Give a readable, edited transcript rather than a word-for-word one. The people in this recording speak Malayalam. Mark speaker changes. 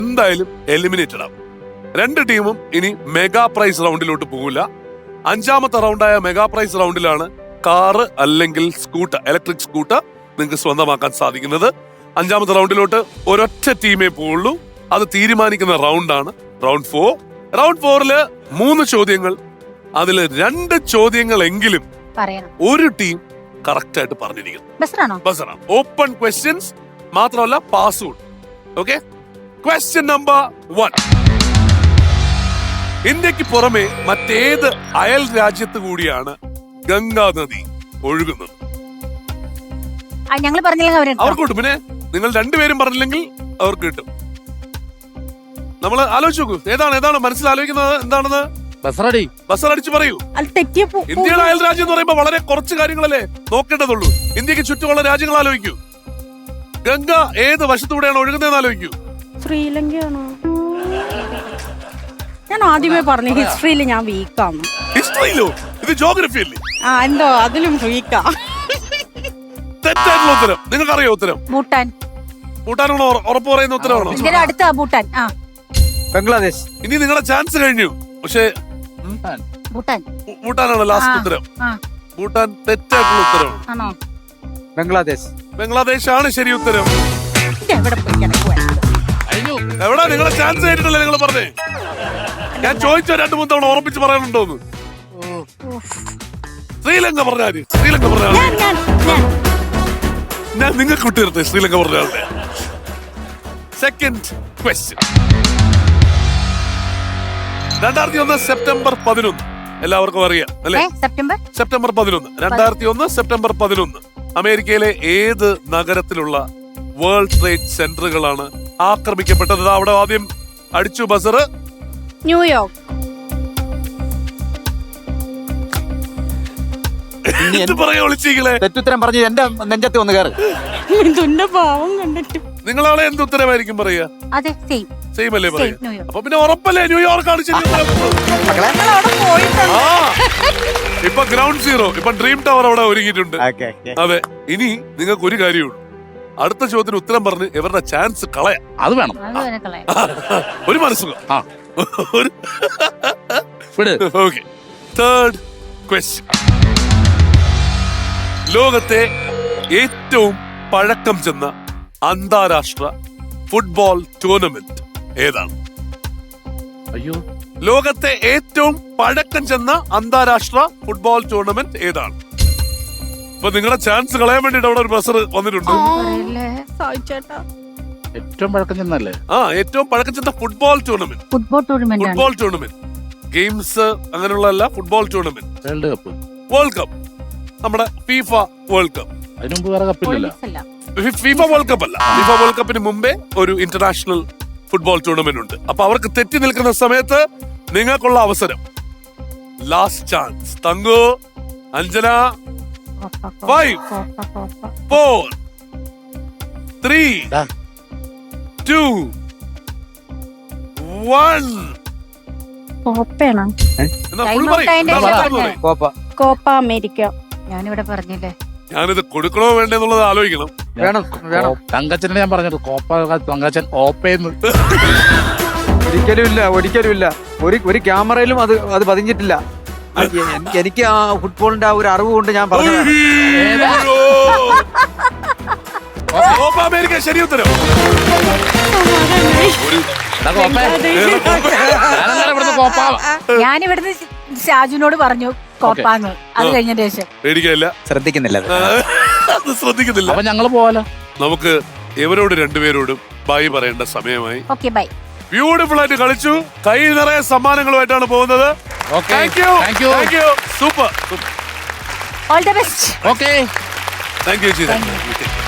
Speaker 1: എന്തായാലും എലിമിനേറ്റഡ് ആവും. രണ്ട് ടീമും ഇനി മെഗാ പ്രൈസ് റൗണ്ടിലോട്ട് പോകില്ല. അഞ്ചാമത്തെ റൗണ്ടായ മെഗാ പ്രൈസ് റൗണ്ടിലാണ് കാറ് അല്ലെങ്കിൽ സ്കൂട്ടർ, ഇലക്ട്രിക് സ്കൂട്ടർ നിങ്ങൾക്ക് സ്വന്തമാക്കാൻ സാധിക്കുന്നത്. അഞ്ചാമത്തെ റൗണ്ടിലോട്ട് ഒരൊറ്റ ടീമേ പോവുള്ളൂ. അത് തീരുമാനിക്കുന്ന റൗണ്ടാണ് റൗണ്ട് 4. റൗണ്ട് 4 3 ചോദ്യങ്ങൾ. അതിൽ 2 ചോദ്യങ്ങളെങ്കിലും ഒരു ടീം കറക്റ്റ് ആയിട്ട് പറഞ്ഞിരിക്കുന്നു. ബസറാണ്. ഓപ്പൺ ക്വസ്റ്റ്യൻസ് മാത്രമല്ല പാസ്വേഡ്. Okay, question number 1. ഇന്ത്യക്ക് പുറമെ മറ്റേത് അയൽ രാജ്യത്ത് കൂടിയാണ് ഗംഗാ നദി ഒഴുകുന്നത്? അവർക്ക് കിട്ടും. പിന്നെ നിങ്ങൾ രണ്ടുപേരും പറഞ്ഞില്ലെങ്കിൽ അവർക്ക് കിട്ടും. നമ്മൾ ആലോചിച്ച് നോക്കൂ, ഏതാണ് മനസ്സിലാലോചിക്കുന്നത് എന്താണെന്ന്. ബസറടിച്ച് പറയൂ. ഇന്ത്യയുടെ അയൽ രാജ്യം എന്ന് പറയുമ്പോൾ വളരെ കുറച്ച് കാര്യങ്ങളല്ലേ നോക്കേണ്ടതുള്ളൂ. ഇന്ത്യക്ക് ചുറ്റുമുള്ള രാജ്യങ്ങൾ ആലോചിക്കൂ. ഗംഗ ഏത് വശത്തൂടെയാണ് ഒഴുകുന്നതെന്ന് ആലോചിക്കൂ.
Speaker 2: ശ്രീലങ്കയാണോ? ഞാൻ ആദ്യമേ പറഞ്ഞു ഹിസ്റ്ററിയിൽ ഞാൻ വീക്കാണ്.
Speaker 1: ഹിസ്റ്ററിയിലോ? ഇത് ജോഗ്രഫി അല്ലേ?
Speaker 2: എന്തോ അതിലും വീക്കാ.
Speaker 1: തെറ്റായിട്ടുള്ള ഉത്തരം. നിങ്ങൾക്കറിയോ ഉത്തരം? ഭൂട്ടാനാണോ ഉറപ്പ് പറയുന്ന ഉത്തരവാണോ?
Speaker 2: ഭൂട്ടാൻ.
Speaker 3: ബംഗ്ലാദേശ്.
Speaker 1: ഇനി നിങ്ങളുടെ ചാൻസ് കഴിഞ്ഞു. പക്ഷേ ഭൂട്ടാനാണ് ലാസ്റ്റ് ഉത്തരം. ഭൂട്ടാൻ തെറ്റായിട്ടുള്ള ഉത്തരവാണ്. ബംഗ്ലാദേശ് ആണ് ശരി ഉത്തരം. എവിടെ നിങ്ങളെ ചാൻസ് ആയിട്ടില്ലേ നിങ്ങൾ പറഞ്ഞേ? ഞാൻ ചോദിച്ചോ 2-3 തവണ ഉറപ്പിച്ച് പറയാനുണ്ടോന്ന്. ശ്രീലങ്ക പറഞ്ഞാല് ഞാൻ നിങ്ങൾക്ക് വിട്ടിരുത്തേ. ശ്രീലങ്ക പറഞ്ഞാലേ. Second question. 2001 സെപ്റ്റംബർ 11. എല്ലാവർക്കും അറിയാം അല്ലെ? സെപ്റ്റംബർ 11. 2001 സെപ്റ്റംബർ 11 അമേരിക്കയിലെ ഏത് നഗരത്തിലുള്ള വേൾഡ് ട്രേഡ് സെന്ററുകളാണ് ആക്രമിക്കപ്പെട്ടത്? അവിടെ ആദ്യം അടിച്ചു ബസർ.
Speaker 2: ന്യൂയോർക്ക്.
Speaker 1: പറയാ വിളിച്ചീകളെ.
Speaker 3: തെറ്റുത്തരം പറഞ്ഞ് എന്റെ നെഞ്ചത്തെ ഒന്ന് കയറി.
Speaker 1: നിങ്ങളാളെ എന്ത് ഉത്തരമായിരിക്കും പറയാ? സെയിം അല്ലേ പറയാ? അപ്പൊ പിന്നെ ഉറപ്പല്ലേ ന്യൂയോർക്കാണ് ശരി. ഇപ്പൊ ഗ്രൗണ്ട് സീറോ, ഇപ്പൊ ഡ്രീം ടവർ അവിടെ ഒരുങ്ങിയിട്ടുണ്ട്. അതെ, ഇനി നിങ്ങൾക്ക് ഒരു കാര്യമുള്ളൂ. അടുത്ത ചോദ്യത്തിന് ഉത്തരം പറഞ്ഞ് ഇവരുടെ ചാൻസ് കളയാം.
Speaker 4: അത് വേണം.
Speaker 1: ഒരു മനസ്സുഖം. Okay, third question. ലോകത്തെ ഏറ്റവും പഴക്കം ചെന്ന അന്താരാഷ്ട്ര ഫുട്ബോൾ ടൂർണമെന്റ് ഏതാണ്?
Speaker 4: അയ്യോ,
Speaker 1: ലോകത്തെ ഏറ്റവും പഴക്കം ചെന്ന അന്താരാഷ്ട്ര ഫുട്ബോൾ ടൂർണമെന്റ് ഏതാണ്? ഇപ്പൊ നിങ്ങളുടെ ചാൻസ് കളയാൻ വേണ്ടിട്ട് അവിടെ ഒരു ബസർ വന്നിട്ടുണ്ട്.
Speaker 4: ഏറ്റവും പഴക്കം ചെന്നല്ലേ?
Speaker 1: ഏറ്റവും പഴക്കം ചെന്ന ഫുട്ബോൾ ടൂർണമെന്റ്. ഗെയിംസ് അങ്ങനെയുള്ളതല്ല, ഫുട്ബോൾ ടൂർണമെന്റ്. വേൾഡ് കപ്പ്, നമ്മുടെ ഫിഫ വേൾഡ് കപ്പ്.
Speaker 4: അതിനു മുമ്പ് വേറെ കപ്പില്ലല്ലോ.
Speaker 1: ഫിഫ വേൾഡ് കപ്പ് അല്ല. ഫിഫ വേൾഡ് കപ്പിന് മുമ്പേ ഒരു ഇന്റർനാഷണൽ ഫുട്ബോൾ ടൂർണമെന്റ് ഉണ്ട്. അപ്പൊ അവർക്ക് തെറ്റി നിൽക്കുന്ന സമയത്ത് നിങ്ങൾക്കുള്ള അവസരം. Last chance. Thank you, Anjana. 5, 4, 3, 2, 1.
Speaker 2: Copa America.
Speaker 5: ഞാനിവിടെ പറഞ്ഞില്ലേ,
Speaker 1: ഞാനിത് കൊടുക്കണോ വേണ്ടെന്നുള്ളത് ആലോചിക്കണം.
Speaker 3: വേണം.
Speaker 4: തങ്കച്ചനെ ഞാൻ പറഞ്ഞത് കോപ്പ തങ്കച്ചൻ ഓപ്പയെന്ന്.
Speaker 3: ഒരിക്കലും ഇല്ല. ഒരു ക്യാമറയിലും അത് പതിഞ്ഞിട്ടില്ല. എനിക്ക് ആ ഫുട്ബോളിന്റെ ആ ഒരു അറിവ് കൊണ്ട് ഞാൻ പറഞ്ഞു.
Speaker 1: അമേരിക്ക ശരി ഉത്തരം.
Speaker 5: ഞാനിവിടുന്ന് ഷാജുനോട് പറഞ്ഞു കോപ്പാന്ന്. അത് കഴിഞ്ഞതിന് ശേഷം
Speaker 1: പേടിക്കല്ല,
Speaker 3: ശ്രദ്ധിക്കുന്നില്ല.
Speaker 4: അപ്പൊ ഞങ്ങള് പോവാലോ.
Speaker 1: നമുക്ക് ഇവരോട് രണ്ടുപേരോടും ബൈ പറയേണ്ട സമയമായി.
Speaker 5: Okay, by.
Speaker 1: ബ്യൂട്ടിഫുൾ ആയിട്ട് കളിച്ചു. കൈ നിറയെ സമ്മാനങ്ങളുമായിട്ടാണ് പോകുന്നത്.
Speaker 4: Thank you.
Speaker 1: Super.
Speaker 5: All the best.
Speaker 4: Okay,
Speaker 1: thank U.